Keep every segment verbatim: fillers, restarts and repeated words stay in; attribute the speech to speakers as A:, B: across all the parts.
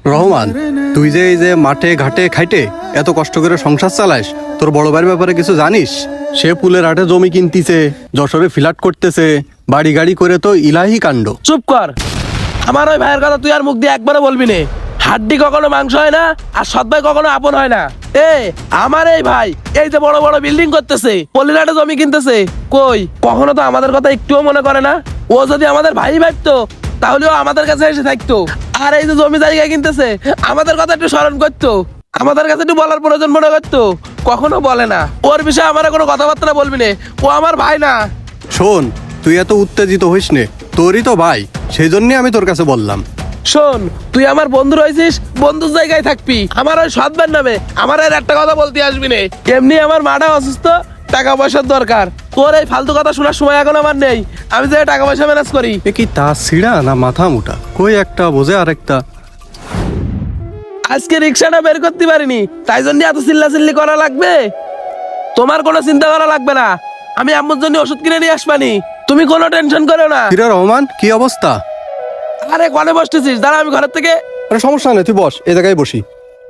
A: রহমান, তুই যে এই যে মাঠে ঘাটে খাইটে এত কষ্ট করে সংসার চালাস, তোর বড় ভাইয়ের ব্যাপারে কিছু জানিস? সে পুলের হাটে জমি কিনতিছে, যশোরে ফ্ল্যাট করতেছে, বাড়ি গাড়ি করে তো ইলাহি কাণ্ড।
B: চুপ কর। আমার ওই ভাইয়ের কথা তুই আর মুখ দিয়ে একবারও বলবি না। হাড্ডি কখনো মাংস হয় না, আর সৎ ভাই কখনো আপন হয় না। এ আমার এই ভাই এই যে বড় বড় বিল্ডিং করতেছে, পল্লীহাটে জমি কিনতেছে, কই কখনো তো আমাদের কথা একটুও মনে করে না। ও যদি আমাদের ভাই ভাবতো তাহলেও আমাদের কাছে এসে থাকতো। আর এই যে জমি জায়গা কিনতেছে, আমাদের কথা একটু স্মরণ করতো, আমাদের কাছে একটু বলার প্রয়োজন মনে করতো, কখনো বলে না। ওর বিষয়ে আমার কোনো কথাবার্তা বলবি না, ও আমার ভাই না।
A: শোন, তুই এত উত্তেজিত হইস নে, তোরই তো ভাই, সেই জন্যই আমি তোর কাছে বললাম।
B: শোন, তুই আমার বন্ধু রয়েছিস, বন্ধুর জায়গায় থাকবি। আমার ওই সৎবার নামে আমার আর একটা কথা বলতে আসবি না। এমনি আমার মাটা অসুস্থ, টাকা পয়সার দরকার। তোর এই ফালতু কথা শোনার সময় এখন আমার নেই। আমি যে টাকা পয়সা ম্যানেজ করি।
A: এ কি তা ছিড়া না মাথা মোটা, কই একটা বোঝে আর একটা।
B: আজকে রিক্সাটা বের করতে পারিনি, তাই জন্য এত চিল্লা চিল্লি করা লাগবে? তোমার কোনো চিন্তা করা লাগবে না, আমি আম্মুর জন্য ওষুধ কিনে নিয়ে আসবানি। তুমি কোনো টেনশন করো না।
A: কিরে রহমান, কি অবস্থা?
B: আরে কনে বসতেছিস? দাঁড়া, আমি ঘরের থেকে।
A: আরে সমস্যা নেই, তুই বস, এই জায়গায় বসি।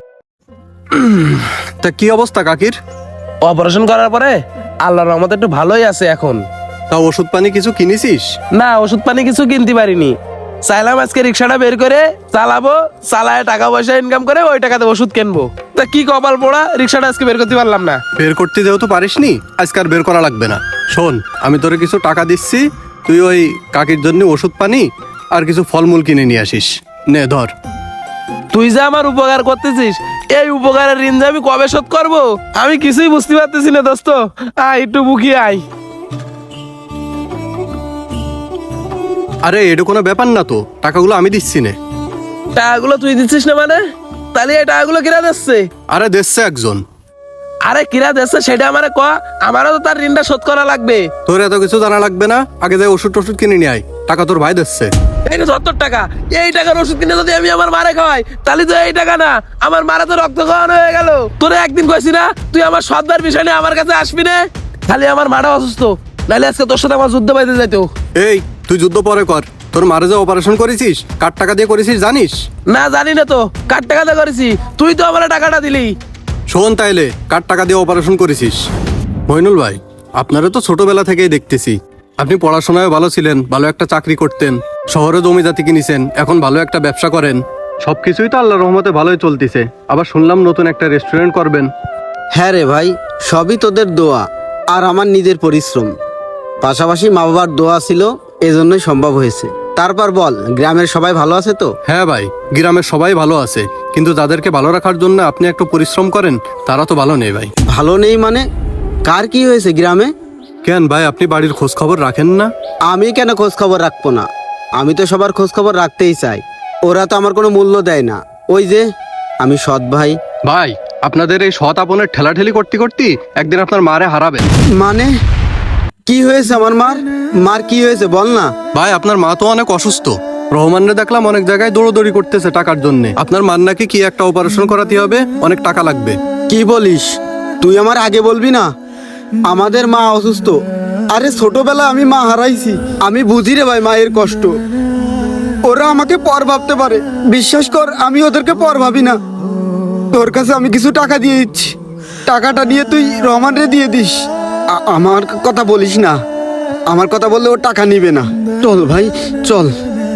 A: তা কি অবস্থা কাকির?
B: অপারেশন করার পরে আল্লাহর রহমতে একটু ভালোই আছে এখন।
A: তা ওষুধ পানি কিছু কিনেছিস?
B: না, ওষুধ পানি কিছু কিনতে পারিনি। চাইলাম আজকে রিক্সাটা বের করে চালাবো, চালায় টাকা পয়সা ইনকাম করে ওই টাকাতে ওষুধ কিনবো। তা কি কপাল পোড়া, রিক্সাটা আজকে বের করতে পারলাম না।
A: বের করতে যেহেতু পারিসনি, আজকে আর বের করা লাগবে না। শোন, আমি তোরে কিছু টাকা দিচ্ছি, তুই ওই কাকির জন্য ওষুধ পানি আর কিছু ফলমূল কিনে নিয়ে আসিস। নে ধর।
B: তুই যে আমার উপকার করতেছিস, এই উপকারের ঋণ যে আমি কবে শোধ করবো আমি কিছুই বুঝতে পারতেছি না দোস্ত। আয় একটু বুকি আয়।
A: আরে এটা কোনো ব্যাপার না তো, টাকাগুলো আমি দিচ্ছি নে।
B: টাকাগুলো তুই দিচ্ছিস না মানে? তাহলে এই টাকাগুলো কিরা দিচ্ছে?
A: আরে দিচ্ছে একজন।
B: আরে কিরা দিচ্ছে সেটা আমারে ক, আমারও তো তার ঋণটা শোধ করা লাগবে।
A: তোর এত কিছু জানা লাগবে না, আগে যাই ওষুধ টষুধ কিনে নিয়ে আয়, টাকা তোর ভাই দিচ্ছে।
B: এই যে সত্তর টাকা, এই টাকার ওষুধ কিনে যদি আমি আমার মারে খাওয়াই, তাহলে তো এই টাকা না, আমার মারা তো রক্ত খাওয়ানো হয়ে গেল। তোরে একদিন কইছি না তুই আমার সৎবার বিষয় নিয়ে আমার কাছে আসবি না? খালি আমার মাটা অসুস্থ, নাহলে আজকে তোর সাথে আমার যুদ্ধ পাইতে যাইতো।
A: এই তুই যুদ্ধ পরে কর, তোর মারে যে অপারেশন করেছিস কার টাকা দিয়ে করেছিস জানিস?
B: না জানি না তো, কার টাকাতে করেছি? তুই তো আমার টাকাটা দিলি।
A: শোন তাইলে, কার টাকা দিয়ে অপারেশন করেছিস? মইনুল ভাই, আপনারা তো ছোটবেলা থেকেই দেখতেছি, আপনি পড়াশোনায় ভালো ছিলেন, ভালো একটা চাকরি করতেন, শহরে জমি জাতি কিনেছেন, এখন ভালো একটা ব্যবসা করেন, সবকিছুই তো আল্লাহর রহমতে ভালোই চলতেছে। আবার শুনলাম নতুন একটা রেস্টুরেন্ট করবেন।
C: হ্যাঁ রে ভাই, সবই তোদের দোয়া আর আমার নিজের পরিশ্রম, পাশাপাশি মা বাবার দোয়া ছিল, এজন্যই সম্ভব হয়েছে। তারপর বল, গ্রামের সবাই ভালো আছে তো?
A: হ্যাঁ ভাই, গ্রামের সবাই ভালো আছে, কিন্তু যাদেরকে ভালো রাখার জন্য আপনি একটু পরিশ্রম করেন তারা তো ভালো নেই ভাই।
C: ভালো নেই মানে? কার কি হয়েছে গ্রামে?
A: কেন ভাই, আপনি বাড়ির খোঁজ খবর রাখেন না?
C: আমি কেন খোঁজ খবর রাখবো না? আমি তো সবার খোঁজ খবর রাখতেই চাই, ওরা তো আমার কোনো মূল্য দেয় না। ওই যে আমি সৎ ভাই।
A: ভাই, আপনাদের এই সৎ আপনের ঠেলাঠেলি করতে করতে একদিন আপনার মারে হারাবেন।
C: মানে কি হয়েছে আমার মার? মার কি হয়েছে বল না।
A: ভাই, আপনার মা তো অনেক অসুস্থ, রহমানরে দেখলাম অনেক জায়গায় দৌড়দৌড়ি করতেছে টাকার জন্য। আপনার মার নাকি কি একটা অপারেশন করাতে হবে, অনেক টাকা লাগবে।
C: কি বলিস? তুই আমার আগে বলবি না? আমাদের মা অসুস্থ। আরে ছোটবেলা আমি মা হারাইছি, আমি বুঝি রে ভাই মায়ের কষ্ট। ওরা আমাকে পর ভাবতে পারে, বিশ্বাস কর আমি ওদেরকে পর ভাবি না। তোর কাছে আমি কিছু টাকা দিয়ে দিচ্ছি, টাকাটা নিয়ে তুই রহমান রে দিয়ে দিস। আ- আমার কথা বলিস না, আমার কথা বললে ও টাকা নিবে না। চল ভাই চল।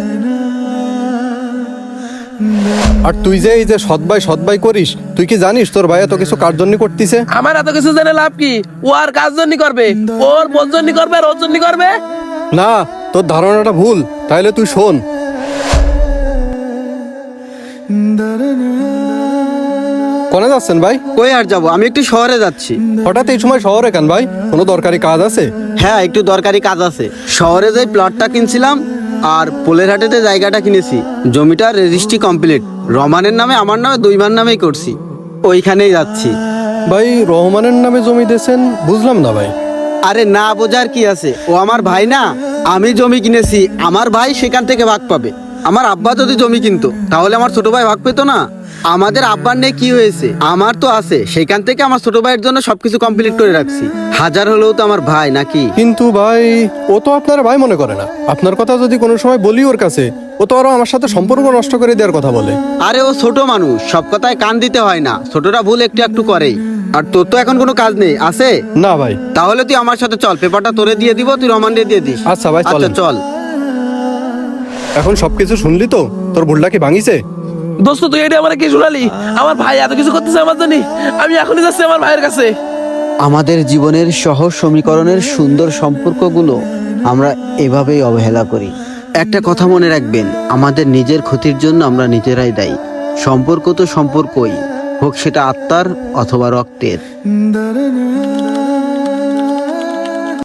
A: আর তুই যে এই যে সৎ ভাই সৎ ভাই করিস, তুই কি জানিস তোর ভাই এত কিছু কার জন্য করতেছে?
B: আমার এত কিছু জেনে লাভ কি? ও আর কাজ জন্য করবে, ওর বোন জন্য করবে আর ওর জন্য করবে।
A: না, তোর ধারণাটা ভুল। তাইলে তুই শোন। কোনে যাচ্ছেন ভাই?
C: কই আর যাবো, আমি একটু শহরে যাচ্ছি।
A: হঠাৎ এই সময় শহরে কেন ভাই, কোনো দরকারি কাজ আছে?
C: হ্যাঁ, একটু দরকারি কাজ আছে। শহরে যে প্লটটা কিনছিলাম আর পোলের হাটেতে জায়গাটা কিনেছি, জমিটার রেজিস্ট্রি কমপ্লিট, রহমানের নামে আমার নামে দুইবার নামেই করছি, ওইখানেই যাচ্ছি।
A: ভাই, রহমানের নামে জমি দিয়েছেন? বুঝলাম না ভাই।
C: আরে না বোঝার কি আছে, ও আমার ভাই না। আমি জমি কিনেছি, আমার ভাই সেখান থেকে ভাগ পাবে। আমার আব্বা যদি জমি কিনতো তাহলে আমার ছোট ভাই ভাগ পেতো না? আমাদের আব্বার নেই কি হয়েছে, আমার তো আছে, সেখান থেকে আমার ছোট ভাইয়ের জন্য সবকিছু কমপ্লিট করে রাখছি। হাজার হলেও তো আমার ভাই নাকি?
A: কিন্তু ভাই, ও তো আপনার ভাই মনে করে না। আপনার কথা যদি কোনো সময় বলি ওর কাছে, ও তো আরো আমার সাথে সম্পর্ক নষ্ট করে দেওয়ার কথা বলে।
C: আরে ও ছোট মানুষ, সব কথায় কান দিতে হয় না, ছোটরা ভুল একটু একটু করেই। আর তোর তো এখন কোনো কাজ নেই আছে?
A: না ভাই।
C: তাহলে তুই আমার সাথে চল, পেপারটা তোরে দিয়ে দিব, তুই রমান দিয়ে দিয়ে দিস।
A: আচ্ছা ভাই,
C: আচ্ছা
A: চলেন।
C: চল।
A: এখন সবকিছু শুনলি তো? তোর ভুলটা কি ভাঙিছে?
B: দোস্ত তুই এটা আমার কি শোনালি? আমার ভাই এত কিছু করতেছে আমার জন্য, আমি এখনই যাচ্ছি আমার ভাইয়ের কাছে।
D: আমাদের জীবনের সহজ সমীকরণের সুন্দর সম্পর্কগুলো আমরা এভাবেই অবহেলা করি। একটা কথা মনে রাখবেন, আমাদের নিজের ক্ষতির জন্য আমরা নিজেরাই দায়ী। সম্পর্ক তো সম্পর্কই হোক, সেটা আত্মার অথবা রক্তের।